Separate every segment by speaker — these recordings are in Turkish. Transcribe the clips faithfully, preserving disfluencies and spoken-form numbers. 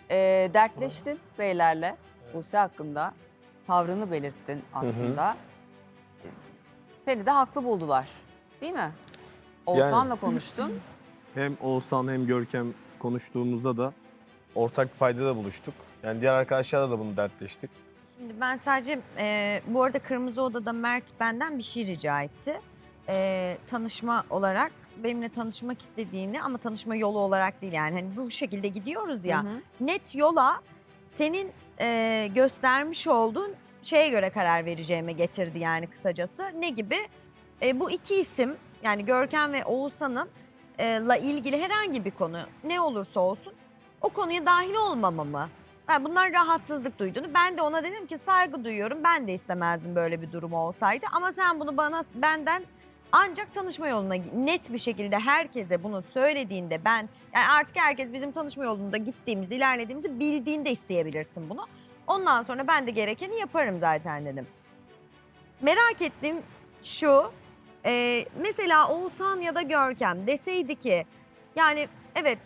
Speaker 1: e, dertleştin beylerle Buse hakkında. Tavrını belirttin aslında. Hı hı. Seni de haklı buldular. Değil mi? Oğuzhan'la yani, konuştun.
Speaker 2: Hem Oğuzhan hem Görkem konuştuğumuzda da ortak bir paydada buluştuk. Yani diğer arkadaşlarla da bunu dertleştik.
Speaker 3: Şimdi ben sadece e, bu arada Kırmızı Oda'da Mert benden bir şey rica etti. E, tanışma olarak benimle tanışmak istediğini ama tanışma yolu olarak değil yani hani bu şekilde gidiyoruz ya. Hı hı. Net yola senin e, göstermiş olduğun şeye göre karar vereceğime getirdi yani kısacası. Ne gibi? E, bu iki isim yani Görkem ve Oğuzhan'ın e, la ilgili herhangi bir konu ne olursa olsun o konuya dahil olmamamı. Yani bunlar rahatsızlık duyduğunu. Ben de ona dedim ki saygı duyuyorum. Ben de istemezdim böyle bir durum olsaydı. Ama sen bunu bana benden ancak tanışma yoluna net bir şekilde herkese bunu söylediğinde ben yani artık herkes bizim tanışma yolunda gittiğimizi, ilerlediğimizi bildiğinde isteyebilirsin bunu. Ondan sonra ben de gerekeni yaparım zaten dedim. Merak ettiğim şu, e, mesela Oğuzhan ya da Görkem deseydi ki yani evet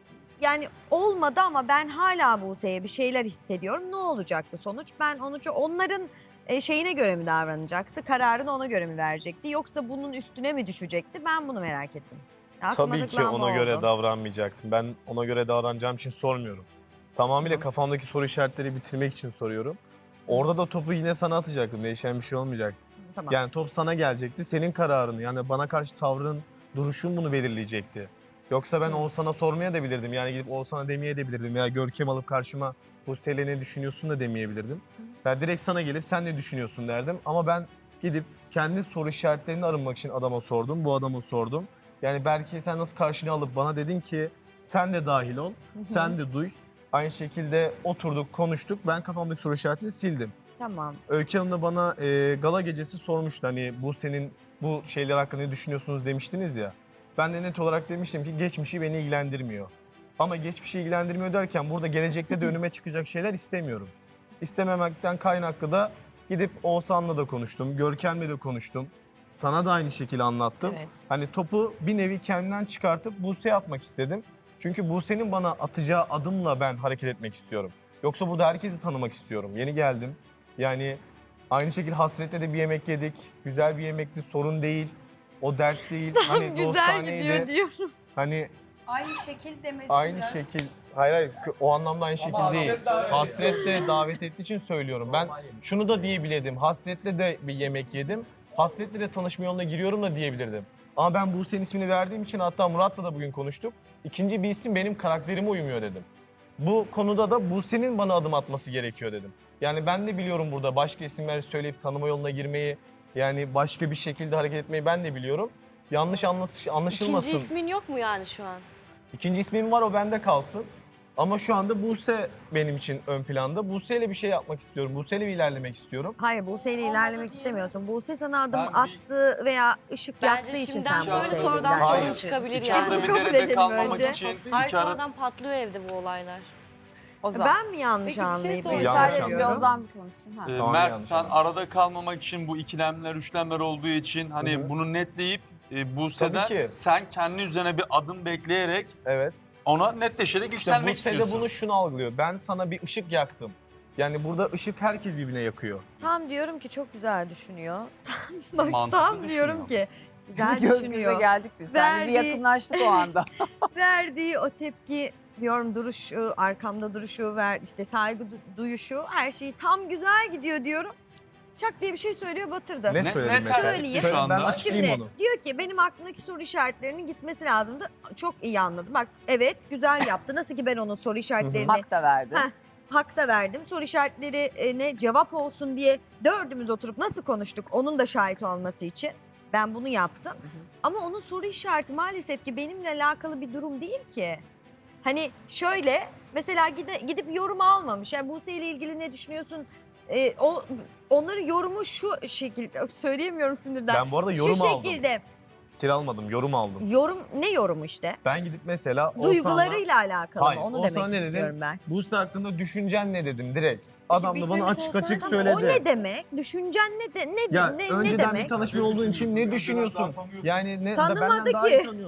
Speaker 3: yani olmadı ama ben hala Buse'ye bir şeyler hissediyorum. Ne olacaktı sonuç? Ben onu onların şeyine göre mi davranacaktı? Kararını ona göre mi verecekti? Yoksa bunun üstüne mi düşecekti? Ben bunu merak ettim.
Speaker 2: Tabii ki ona göre davranmayacaktım. Ben ona göre davranacağım için sormuyorum. Tamamıyla Hı. kafamdaki soru işaretleri bitirmek için soruyorum. Orada da topu yine sana atacaktım. Değişen bir şey olmayacaktı. Tamam. Yani top sana gelecekti. Senin kararın yani bana karşı tavrın, duruşun bunu belirleyecekti. Yoksa ben Oğuzhan'a sormaya da bilirdim. Yani gidip Oğuzhan'a demeye de bilirdim. Veya Görkem alıp karşıma Buse'yle ne düşünüyorsun da demeyebilirdim. Ben direkt sana gelip sen ne düşünüyorsun derdim. Ama ben gidip kendi soru işaretlerini arınmak için adama sordum. Bu adama sordum. Yani belki sen nasıl karşını alıp bana dedin ki sen de dahil ol, hı hı. sen de duy. Aynı şekilde oturduk, konuştuk. Ben kafamdaki soru işaretini sildim.
Speaker 3: Tamam.
Speaker 2: Öykü Hanım da bana e, gala gecesi sormuştu. Hani bu senin bu şeyler hakkında ne düşünüyorsunuz demiştiniz ya. Ben de net olarak demiştim ki geçmişi beni ilgilendirmiyor. Ama geçmişi ilgilendirmiyor derken burada gelecekte de önüme çıkacak şeyler istemiyorum. İstememekten kaynaklı da gidip Oğuzhan'la da konuştum, Görkem'le de konuştum. Sana da aynı şekilde anlattım. Evet. Hani topu bir nevi kendinden çıkartıp Buse'ye atmak istedim. Çünkü Buse'nin bana atacağı adımla ben hareket etmek istiyorum. Yoksa burada herkesi tanımak istiyorum. Yeni geldim. Yani aynı şekilde Hasret'le de bir yemek yedik. Güzel bir yemekti, sorun değil. O dert değil.
Speaker 3: Tam
Speaker 2: hani
Speaker 3: güzel gidiyor diyorum.
Speaker 2: Hani
Speaker 4: aynı şekil demesi
Speaker 2: aynı
Speaker 4: biraz.
Speaker 2: şekil. Hayır hayır o anlamda aynı şekil Ama değil. Hasret de davet ettiği için söylüyorum. Ben şunu da diyebilirdim. Hasret'le de bir yemek yedim. Hasret'le de tanışma yoluna giriyorum da diyebilirdim. Ama ben Buse'nin ismini verdiğim için hatta Murat'la da bugün konuştuk. İkinci bir isim benim karakterime uymuyor dedim. Bu konuda da Buse'nin bana adım atması gerekiyor dedim. Yani ben de biliyorum burada başka isimler söyleyip tanıma yoluna girmeyi, yani başka bir şekilde hareket etmeyi ben de biliyorum. Yanlış anlaşılmasın.
Speaker 5: İkinci ismin yok mu yani şu an?
Speaker 2: İkinci ismim var, o bende kalsın. Ama şu anda Buse benim için ön planda. Buse'yle bir şey yapmak istiyorum. Buse'yle bir ilerlemek istiyorum.
Speaker 3: Hayır, Buse'yle ilerlemek istemiyorsun. Buse sana adım ben attı bir... veya ışık yaktığı için sen
Speaker 5: Buse'yle
Speaker 3: Bence
Speaker 5: şimdiden sonra soru Hayır. çıkabilir
Speaker 6: İki
Speaker 5: yani.
Speaker 6: arada bir derede kalmamak
Speaker 3: önce.
Speaker 6: için.
Speaker 5: Hayır, sonradan patlıyor evde bu olaylar.
Speaker 3: Ozan. Ben mi yanlış
Speaker 1: Peki,
Speaker 3: anlayıp
Speaker 1: bir şey
Speaker 2: yanlış
Speaker 1: anlıyorum. Ozan bir konuşsun. Ha.
Speaker 6: Ee,
Speaker 2: Tamam,
Speaker 6: Mert sen
Speaker 2: anladım.
Speaker 6: arada kalmamak için bu ikilemler, üçlemler olduğu için hani
Speaker 2: Hı hı.
Speaker 6: bunu netleyip e, Buse'den sen kendi üzerine bir adım bekleyerek
Speaker 2: evet.
Speaker 6: ona netleşerek
Speaker 2: İşte
Speaker 6: yükselmek
Speaker 2: Buse
Speaker 6: istiyorsun.
Speaker 2: de bunu şunu algılıyor. Ben sana bir ışık yaktım. Yani burada ışık herkes birbirine yakıyor.
Speaker 3: Tam diyorum ki çok güzel düşünüyor. Bak
Speaker 6: Mantıklı
Speaker 3: tam
Speaker 6: düşünüyor.
Speaker 3: diyorum ki güzel
Speaker 1: Göz
Speaker 3: düşünüyor.
Speaker 1: göze geldik biz. Seninle bir
Speaker 3: Verdiği-
Speaker 1: yakınlaştık o anda.
Speaker 3: Verdiği o tepki diyorum duruşu, arkamda duruşu, ver işte saygı du- duyuşu her şeyi tam güzel gidiyor diyorum. Şak diye bir şey söylüyor batırdı.
Speaker 2: Ne
Speaker 6: Ne-
Speaker 2: söyledin
Speaker 6: ne
Speaker 2: mesela?
Speaker 3: söyleyeyim?
Speaker 2: Söyle, ben
Speaker 6: Şu anda?
Speaker 2: açıklayayım
Speaker 3: Şimdi
Speaker 2: onu.
Speaker 3: diyor ki benim aklımdaki soru işaretlerinin gitmesi lazımdı. Çok iyi anladım. Bak evet güzel yaptı. Nasıl ki ben onun soru işaretlerini
Speaker 1: Hak da verdi.
Speaker 3: Heh. hak da verdim. Soru işaretlerine cevap olsun diye dördümüz oturup nasıl konuştuk onun da şahit olması için. Ben bunu yaptım.
Speaker 1: Hı hı.
Speaker 3: Ama onun soru işareti maalesef ki benimle alakalı bir durum değil ki. Hani şöyle mesela gide, gidip yorum almamış. Yani Buse ile ilgili ne düşünüyorsun? Ee, o onların yorumu şu şekilde söyleyemiyorum sinirden.
Speaker 2: Ben bu arada yorum
Speaker 3: şu
Speaker 2: aldım.
Speaker 3: şekilde.
Speaker 2: Fikir almadım, yorum aldım.
Speaker 3: Yorum ne yorumu işte?
Speaker 2: Ben gidip mesela
Speaker 3: Duygularıyla alakalı
Speaker 2: Hayır,
Speaker 3: mı? Onu
Speaker 2: Oğuzhan'a
Speaker 3: demek
Speaker 2: ne dedim?
Speaker 3: istiyorum ben.
Speaker 2: Buse hakkında düşüncen ne dedim direkt. Adam da bana açık açık söyledi.
Speaker 3: O ne demek? Düşüncen ne de, ne,
Speaker 2: Ya
Speaker 3: ne,
Speaker 2: önceden
Speaker 3: ne demek?
Speaker 2: bir tanışma olduğun için ne düşünüyorsun? Yani ne
Speaker 3: Tanımadı
Speaker 2: benden daha
Speaker 3: ki.
Speaker 2: iyi tanıyor.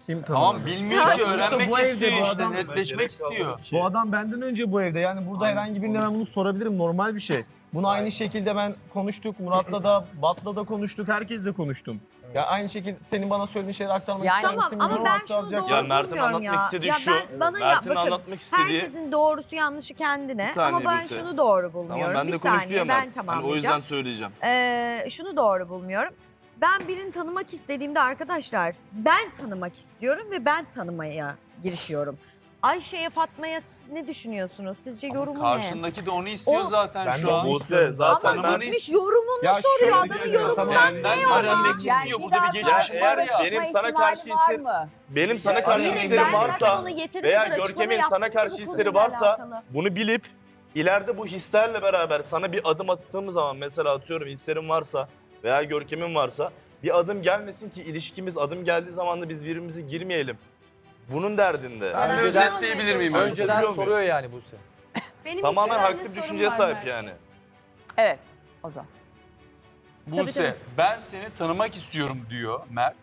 Speaker 2: Kim tanımıyor?
Speaker 6: Tamam bilmiyor ki
Speaker 2: Sonuçta
Speaker 6: öğrenmek
Speaker 2: bu evde
Speaker 6: istiyor
Speaker 2: bu
Speaker 6: işte
Speaker 2: adam-
Speaker 6: netleşmek istiyor.
Speaker 2: Bu adam benden önce bu evde. Yani burada herhangi birine ben bunu sorabilirim. Normal bir şey. Bunu aynı şekilde ben konuştuk. Murat'la da, Bat'la da konuştuk. Herkesle konuştum. Ya aynı şekilde senin bana söylediğin şeyleri aktarmak
Speaker 1: Yani-
Speaker 2: ister
Speaker 3: Tamam
Speaker 2: misin?
Speaker 3: ama
Speaker 2: bilmiyorum,
Speaker 3: ben şunu
Speaker 2: aktaracaksın.
Speaker 3: doğru
Speaker 4: Ya Mert'in
Speaker 3: bulmuyorum
Speaker 4: anlatmak
Speaker 3: ya.
Speaker 4: istediği
Speaker 3: ya
Speaker 4: şu,
Speaker 3: Ben, bana ya,
Speaker 4: Mert'in
Speaker 3: bakın,
Speaker 4: anlatmak istediği...
Speaker 3: herkesin doğrusu yanlışı kendine
Speaker 4: Bir saniye
Speaker 3: ama ben
Speaker 4: Buse.
Speaker 3: şunu doğru
Speaker 4: Tamam
Speaker 3: bulmuyorum.
Speaker 4: ben de
Speaker 3: bir
Speaker 4: konuştu
Speaker 3: saniye
Speaker 4: ya
Speaker 3: ben
Speaker 4: Mert. Hani
Speaker 3: tamamlayacağım.
Speaker 4: o yüzden söyleyeceğim.
Speaker 3: Ee, şunu doğru bulmuyorum. Ben birini tanımak istediğimde arkadaşlar ben tanımak istiyorum ve ben tanımaya girişiyorum. Ayşe'ye, Fatma'ya siz ne düşünüyorsunuz? Sizce
Speaker 6: Ama
Speaker 3: yorumu ne?
Speaker 6: karşındaki de onu istiyor
Speaker 3: O-
Speaker 6: zaten
Speaker 2: Ben
Speaker 6: şu
Speaker 2: de
Speaker 6: an.
Speaker 2: onu
Speaker 4: Buse zaten
Speaker 3: Ama
Speaker 6: ben-
Speaker 3: gitmiş yorumunu
Speaker 2: Ya
Speaker 3: soruyor.
Speaker 2: şöyle
Speaker 3: Adamın
Speaker 2: düşünüyorum,
Speaker 3: yorumundan
Speaker 2: tamam.
Speaker 3: ne
Speaker 6: Benden
Speaker 3: var?
Speaker 6: öğrenmek
Speaker 1: Yani
Speaker 6: istiyor.
Speaker 1: bir
Speaker 6: Burada bir
Speaker 1: daha
Speaker 6: geçmiş
Speaker 1: sonra
Speaker 6: var ya.
Speaker 1: çıkma
Speaker 4: Benim sana
Speaker 1: ihtimali
Speaker 4: karşı
Speaker 1: var
Speaker 4: hisset-
Speaker 1: mı?
Speaker 4: Benim sana karşı
Speaker 3: Yine
Speaker 4: hislerim
Speaker 3: ben zaten
Speaker 4: varsa
Speaker 3: ona yeteri
Speaker 4: veya
Speaker 3: kadar açıklama
Speaker 4: Görkem'in
Speaker 3: yaptım
Speaker 4: sana
Speaker 3: ki
Speaker 4: karşı
Speaker 3: bu
Speaker 4: hisleri
Speaker 3: konuyla
Speaker 4: varsa
Speaker 3: alakalı.
Speaker 4: bunu bilip ileride bu hislerle beraber sana bir adım attığımız zaman mesela atıyorum hislerim varsa veya Görkem'in varsa bir adım gelmesin ki ilişkimiz adım geldiği zaman da biz birbirimize girmeyelim. Bunun derdinde.
Speaker 6: Ben bir
Speaker 7: Önceden-
Speaker 6: özetleyebilir miyim?
Speaker 7: Önceden
Speaker 4: Biliyor muyum?
Speaker 7: soruyor yani Buse.
Speaker 5: Benim
Speaker 4: Tamamen
Speaker 5: iki tane
Speaker 4: haklı bir
Speaker 5: sorum
Speaker 4: düşünceye
Speaker 5: var
Speaker 4: sahip
Speaker 5: Mert.
Speaker 4: yani.
Speaker 1: Evet. O zaman.
Speaker 6: Buse,
Speaker 3: tabii.
Speaker 6: ben seni tanımak istiyorum diyor Mert.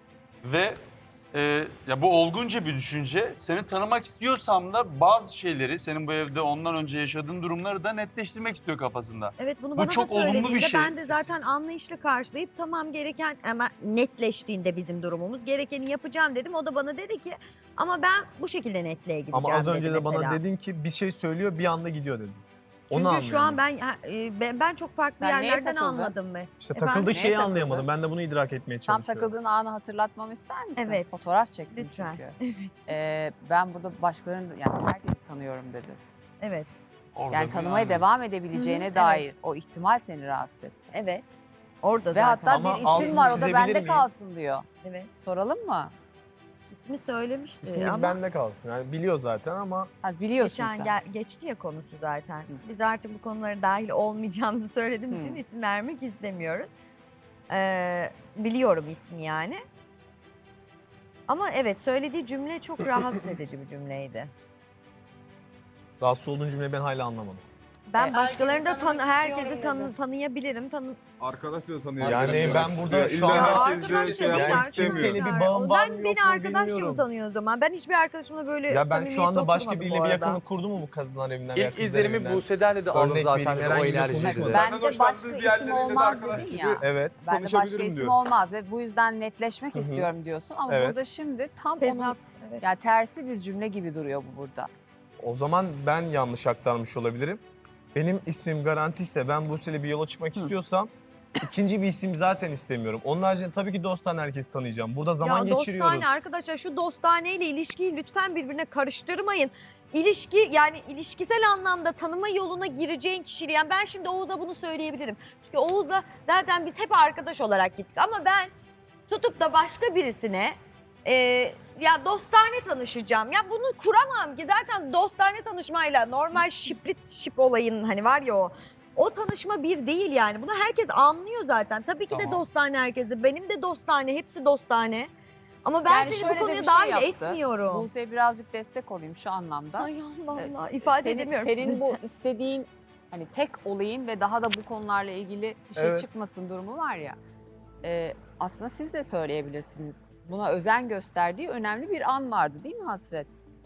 Speaker 6: Ve e, ya bu olgunca bir düşünce. Seni tanımak istiyorsam da bazı şeyleri, senin bu evde ondan önce yaşadığın durumları da netleştirmek istiyor kafasında.
Speaker 3: Evet bunu
Speaker 6: Bu
Speaker 3: bana
Speaker 6: çok
Speaker 3: da
Speaker 6: olumlu bir
Speaker 3: söylediğinde
Speaker 6: şey.
Speaker 3: ben de zaten anlayışla karşılayıp tamam gereken ama netleştiğinde bizim durumumuz gerekeni yapacağım dedim. O da bana dedi ki ama ben bu şekilde netliğe gideceğim
Speaker 2: Ama az
Speaker 3: dedi
Speaker 2: önce de bana
Speaker 3: mesela.
Speaker 2: dedin ki bir şey söylüyor bir anda gidiyor dedin.
Speaker 3: Çünkü
Speaker 2: Onu
Speaker 3: şu an
Speaker 2: anlayamadım.
Speaker 3: ben ha, e, ben, ben çok farklı
Speaker 1: Sen neye
Speaker 3: yerlerden
Speaker 1: takıldın?
Speaker 3: anladım ve
Speaker 2: İşte
Speaker 3: Efendim?
Speaker 2: takıldığı
Speaker 1: Neye
Speaker 2: şeyi
Speaker 1: takıldın?
Speaker 2: anlayamadım. Ben de bunu idrak etmeye
Speaker 1: Tam
Speaker 2: çalışıyorum.
Speaker 1: takıldığın anı hatırlatmamı ister misin?
Speaker 3: Evet.
Speaker 1: Fotoğraf çektim
Speaker 3: Lütfen.
Speaker 1: çünkü. Ee, ben burada başkalarını, yani herkesi tanıyorum dedi.
Speaker 3: evet
Speaker 6: Orada
Speaker 1: Yani
Speaker 6: bir
Speaker 1: tanımaya
Speaker 6: yani.
Speaker 1: devam edebileceğine
Speaker 3: Hı hı,
Speaker 1: dair
Speaker 3: evet.
Speaker 1: o ihtimal seni rahatsız etti.
Speaker 3: evet orada
Speaker 1: Ve
Speaker 3: zaten.
Speaker 1: hatta
Speaker 2: Ama
Speaker 1: bir
Speaker 2: altını
Speaker 1: isim var, o da
Speaker 2: çizebilir
Speaker 1: bende
Speaker 2: miyim?
Speaker 1: kalsın diyor.
Speaker 3: Evet.
Speaker 1: Soralım mı?
Speaker 3: İsmi söylemişti
Speaker 2: İsmi
Speaker 3: ama
Speaker 2: bende kalsın. Yani biliyor zaten ama
Speaker 1: Ha, biliyorsun
Speaker 3: geçen
Speaker 1: sen.
Speaker 3: gel- geçti ya konusu zaten. Biz artık bu konulara dahil olmayacağımızı söylediğimiz
Speaker 1: Hı.
Speaker 3: için isim vermek istemiyoruz. Ee, biliyorum ismi yani. Ama evet söylediği cümle çok rahatsız edici bir cümleydi.
Speaker 2: rahatsız olduğun cümleyi ben hala anlamadım.
Speaker 3: Ben
Speaker 1: E,
Speaker 3: başkalarını da
Speaker 5: herkesi
Speaker 3: tanı
Speaker 5: tanımak
Speaker 3: herkesi
Speaker 5: istiyorum
Speaker 3: tanı
Speaker 5: dedi.
Speaker 3: tanıyabilirim. Tanı
Speaker 8: Arkadaş da tanıyor.
Speaker 2: Yani ben burada şu
Speaker 8: İlla
Speaker 2: anda
Speaker 8: herkesle
Speaker 3: arkadaş
Speaker 8: şey
Speaker 3: da değil,
Speaker 8: yapmak
Speaker 3: arkadaşlar.
Speaker 8: istemiyorum.
Speaker 2: Kimseyle bir bağım var mı,
Speaker 3: Ben
Speaker 2: yok
Speaker 3: beni
Speaker 2: mu
Speaker 3: arkadaşım
Speaker 2: bilmiyorum.
Speaker 3: tanıyor o zaman. Ben hiçbir arkadaşımla böyle
Speaker 2: Ya ben şu
Speaker 3: samimiyetle
Speaker 2: anda başka
Speaker 3: oturmadım
Speaker 2: biriyle
Speaker 3: bu
Speaker 2: bir
Speaker 3: arada.
Speaker 2: yakını kurdu mu bu kadınlar evinden? veya
Speaker 7: İlk
Speaker 2: kızlar
Speaker 7: izlenimi
Speaker 2: evinden?
Speaker 7: Buse'den dedi aldım
Speaker 2: Örnek
Speaker 7: zaten
Speaker 2: vereyim,
Speaker 7: dedi, o
Speaker 2: herhangi bir
Speaker 7: enerjiyi
Speaker 2: konuşma.
Speaker 7: dedi.
Speaker 1: Ben de
Speaker 8: hoşlandığı
Speaker 1: başka isim
Speaker 8: diğerleriyle de
Speaker 1: olmaz
Speaker 8: arkadaş
Speaker 1: dedin
Speaker 8: gibi
Speaker 1: ya.
Speaker 2: Evet.
Speaker 1: Ben de başka
Speaker 8: konuşabilirim
Speaker 1: isim
Speaker 8: diyor.
Speaker 1: olmaz ve bu yüzden netleşmek
Speaker 2: Hı hı.
Speaker 1: istiyorum diyorsun. Ama
Speaker 2: Evet.
Speaker 1: burada şimdi tam onun
Speaker 3: Tezat. Evet.
Speaker 1: yani tersi bir cümle gibi duruyor bu burada.
Speaker 2: O zaman ben yanlış aktarmış olabilirim. Benim ismim Garantiyse ben Buse'yle bir yola çıkmak
Speaker 1: Hı.
Speaker 2: istiyorsam ikinci bir isim zaten istemiyorum. Onun haricinde tabii ki dosttan herkesi tanıyacağım. Burada zaman
Speaker 3: ya
Speaker 2: geçiriyoruz.
Speaker 3: dostane arkadaşlar şu dostaneyle ilişkiyi lütfen birbirine karıştırmayın. İlişki yani ilişkisel anlamda tanıma yoluna gireceğin kişiyle yani ben şimdi Oğuz'a bunu söyleyebilirim. Çünkü Oğuz'a zaten biz hep arkadaş olarak gittik ama ben tutup da başka birisine e, ya dostane tanışacağım. Ya bunu kuramam ki zaten dostane tanışmayla normal şipli şip olayın hani var ya o. O tanışma bir değil yani. Bunu herkes anlıyor zaten. Tabii ki de
Speaker 6: Tamam.
Speaker 3: dostane herkese. Benim de dostane, hepsi dostane. Ama ben
Speaker 1: Yani
Speaker 3: seni
Speaker 1: şöyle
Speaker 3: bu
Speaker 1: de
Speaker 3: konuya
Speaker 1: bir şey
Speaker 3: dahil
Speaker 1: yaptı.
Speaker 3: etmiyorum.
Speaker 1: Buse'ye birazcık destek olayım şu anlamda.
Speaker 3: Ay Allah
Speaker 1: Ee,
Speaker 3: Allah. İfade
Speaker 1: senin,
Speaker 3: edemiyorum.
Speaker 1: Senin bu istediğin hani tek olayın ve daha da bu konularla ilgili bir şey
Speaker 2: Evet.
Speaker 1: çıkmasın durumu var ya. E, aslında siz de söyleyebilirsiniz. Buna özen gösterdiği önemli bir an vardı değil mi Hasret?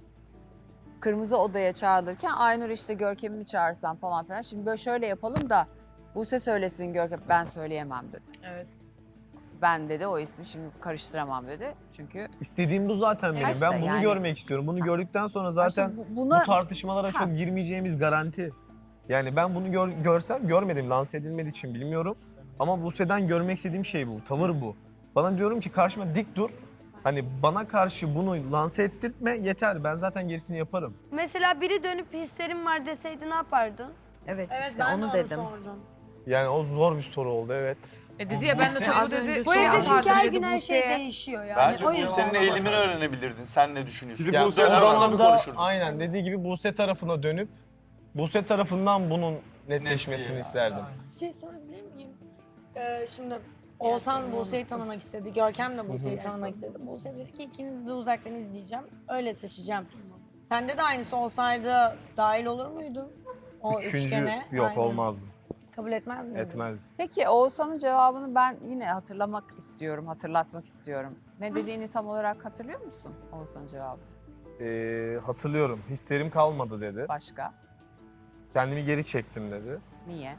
Speaker 1: Kırmızı odaya çağrılırken Aynur işte Görkem'i mi çağırsam falan filan. Şimdi böyle şöyle yapalım da Buse söylesin Görkem, ben söyleyemem dedi.
Speaker 5: Evet.
Speaker 1: Ben dedi o ismi şimdi karıştıramam dedi. Çünkü
Speaker 2: İstediğim bu zaten benim.
Speaker 1: Evet işte
Speaker 2: ben bunu
Speaker 1: yani.
Speaker 2: görmek istiyorum. Bunu gördükten sonra zaten
Speaker 1: Aslında bu-
Speaker 2: bu
Speaker 1: buna
Speaker 2: tartışmalara
Speaker 1: Ha.
Speaker 2: çok girmeyeceğimiz garanti. Yani ben bunu gör- görsem görmedim. Lanse edilmediği için bilmiyorum. Ama Buse'den görmek istediğim şey bu. Tavır bu. Bana diyorum ki karşıma dik dur. Hani bana karşı bunu lanse ettirtme yeter. Ben zaten gerisini yaparım.
Speaker 9: Mesela biri dönüp hislerim var deseydi ne yapardın?
Speaker 3: Evet,
Speaker 5: Evet
Speaker 3: işte
Speaker 5: ben de
Speaker 3: onu
Speaker 5: onu
Speaker 3: dedim.
Speaker 5: sordum.
Speaker 2: Yani o zor bir soru oldu evet.
Speaker 10: E dedi ya ben de
Speaker 6: Buse-
Speaker 10: tabii
Speaker 3: Az
Speaker 10: dedi.
Speaker 3: önce
Speaker 9: Bu
Speaker 3: şey
Speaker 9: evde
Speaker 3: yapardım
Speaker 9: çünkü her
Speaker 10: dedi
Speaker 9: gün her şey
Speaker 10: Buse'ye.
Speaker 9: değişiyor yani.
Speaker 6: Bence
Speaker 9: o
Speaker 6: bu
Speaker 9: yüzden.
Speaker 6: senin eğilimini öğrenebilirdin. Sen ne düşünüyorsun?
Speaker 2: Ya
Speaker 6: Buse
Speaker 2: o
Speaker 6: onunla bir
Speaker 2: zaman da
Speaker 6: konuşurdun.
Speaker 2: aynen dediği gibi Buse tarafına dönüp Buse tarafından bunun netleşmesini
Speaker 6: Netliği.
Speaker 2: isterdim.
Speaker 9: Bir şey sorabilir miyim? Ee, şimdi Oğuzhan Buse'yi tanımak istedi. Görkem de Buse'yi tanımak istedi. Buse dedi ki ikinizi de uzaktan izleyeceğim. Öyle seçeceğim. Sende de aynısı olsaydı dahil olur muydun? O
Speaker 2: Üçüncü
Speaker 9: üçgene.
Speaker 2: yok
Speaker 9: Aynen.
Speaker 2: olmazdı.
Speaker 9: Kabul etmez miydin?
Speaker 2: Etmezdim.
Speaker 1: Peki Oğuzhan'ın cevabını ben yine hatırlamak istiyorum, hatırlatmak istiyorum. Ne dediğini tam olarak hatırlıyor musun Oğuzhan'ın cevabı?
Speaker 2: Ee, hatırlıyorum. Hislerim kalmadı dedi.
Speaker 1: Başka?
Speaker 2: Kendimi geri çektim dedi.
Speaker 1: Niye?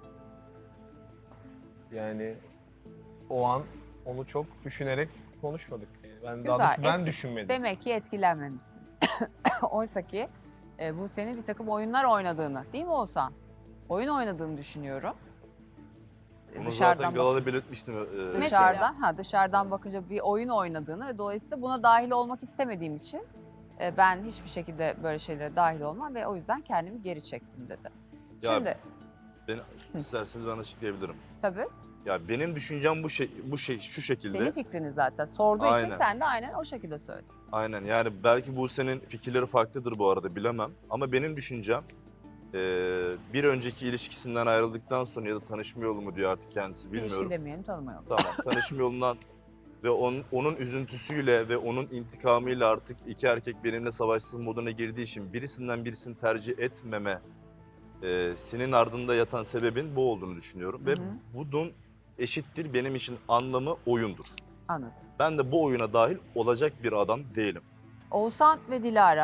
Speaker 2: Yani o an onu çok düşünerek konuşmadık. Yani ben
Speaker 1: Güzel,
Speaker 2: daha doğrusu ben
Speaker 1: etki-
Speaker 2: düşünmedim.
Speaker 1: Demek ki etkilenmemişsin. Oysa ki e, bu senin bir takım oyunlar oynadığını, değil mi Oğuzhan? Oyun oynadığını düşünüyorum. E,
Speaker 4: Bunu
Speaker 1: Dışarıdan
Speaker 4: zaten
Speaker 1: bak-
Speaker 4: galada belirtmiştim. Ee,
Speaker 1: dışarıdan, ha dışarıdan bakınca bir oyun oynadığını ve dolayısıyla buna dahil olmak istemediğim için e, ben hiçbir şekilde böyle şeylere dahil olmam ve o yüzden kendimi geri çektim dedi.
Speaker 4: Ya-
Speaker 1: Şimdi
Speaker 4: ben, isterseniz ben açıklayabilirim.
Speaker 1: tabii
Speaker 4: Ya benim düşüncem bu şey bu şey şu şekilde.
Speaker 1: senin fikrini zaten sorduğu için
Speaker 4: Aynen.
Speaker 1: sen de aynen o şekilde söyledin.
Speaker 4: Aynen yani belki Buse'nin fikirleri farklıdır bu arada bilemem. Ama benim düşüncem eee, bir önceki ilişkisinden ayrıldıktan sonra ya da tanışma yolu mu diyor artık kendisi bilmiyorum.
Speaker 1: İlişki demeyelim, tanıma yolu.
Speaker 4: Tamam tanışma yolundan ve onun, onun üzüntüsüyle ve onun intikamıyla artık iki erkek benimle savaşsız moduna girdiği için birisinden birisini tercih etmeme eee sinin ardında yatan sebebin bu olduğunu düşünüyorum. Ve
Speaker 1: Hı hı.
Speaker 4: bunun eşittir benim için anlamı oyundur.
Speaker 1: Anladım.
Speaker 4: Ben de bu oyuna dahil olacak bir adam değilim.
Speaker 1: Oğuzhan ve Dilara